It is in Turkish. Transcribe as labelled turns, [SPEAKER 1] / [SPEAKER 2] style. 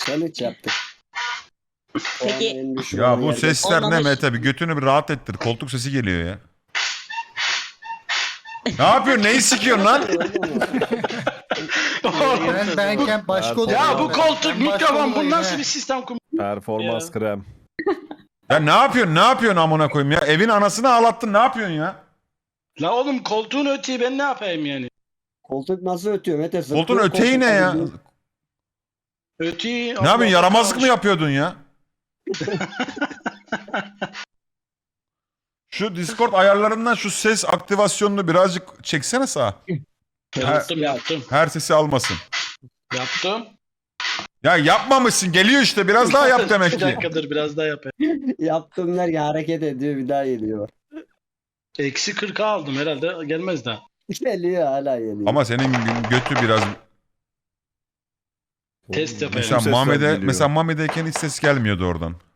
[SPEAKER 1] Challenge yaptık.
[SPEAKER 2] Peki-
[SPEAKER 1] En düşük
[SPEAKER 3] Ya
[SPEAKER 1] olan
[SPEAKER 3] bu
[SPEAKER 1] yerde-
[SPEAKER 3] sesler ne
[SPEAKER 2] Olmamış.
[SPEAKER 3] Mete? Bir götünü bir rahat ettir. Koltuk sesi geliyor ya. Ne yapıyorsun? Neyi sikiyorsun lan?
[SPEAKER 4] Ben benken başka odada.
[SPEAKER 5] Ya bu
[SPEAKER 4] Ben
[SPEAKER 5] koltuk,
[SPEAKER 4] başka
[SPEAKER 5] mikrofon bu
[SPEAKER 4] odadayım
[SPEAKER 5] nasıl
[SPEAKER 4] he.
[SPEAKER 5] bir sistem kum?
[SPEAKER 6] Performans
[SPEAKER 5] Ya.
[SPEAKER 6] krem.
[SPEAKER 3] Ya ne yapıyorsun? Ne yapıyorsun amına koyayım ya? Evin anasını ağlattın. Ne yapıyorsun ya?
[SPEAKER 5] La oğlum koltuğun öteyi ben ne yapayım yani?
[SPEAKER 1] Koltuk nasıl ötüyor Mete?
[SPEAKER 3] Koltuğun
[SPEAKER 1] Zıplıyor
[SPEAKER 3] öteği ne
[SPEAKER 1] koltuk
[SPEAKER 3] ya?
[SPEAKER 1] tabii.
[SPEAKER 5] Öteyi...
[SPEAKER 3] Ne yapıyorsun? Yaramazlık mı yapıyordun ya? Şu Discord ayarlarından şu ses aktivasyonunu birazcık çeksene sağa.
[SPEAKER 5] Yaptım.
[SPEAKER 3] Her sesi almasın.
[SPEAKER 5] Yaptım.
[SPEAKER 3] Ya yapmamışsın. Geliyor işte. Biraz daha yap demek
[SPEAKER 5] Bir
[SPEAKER 3] ki.
[SPEAKER 5] dakikadır biraz daha yapayım.
[SPEAKER 1] Yaptım derken hareket ediyor bir daha geliyor.
[SPEAKER 5] Eksi 40'a aldım herhalde gelmez daha.
[SPEAKER 1] Geliyor hala geliyor.
[SPEAKER 3] Ama senin götü biraz...
[SPEAKER 5] Test yapayım.
[SPEAKER 3] Mesela
[SPEAKER 6] sesler
[SPEAKER 3] Mami'de,
[SPEAKER 6] geliyor.
[SPEAKER 3] mesela Mami'deyken hiç ses gelmiyordu oradan.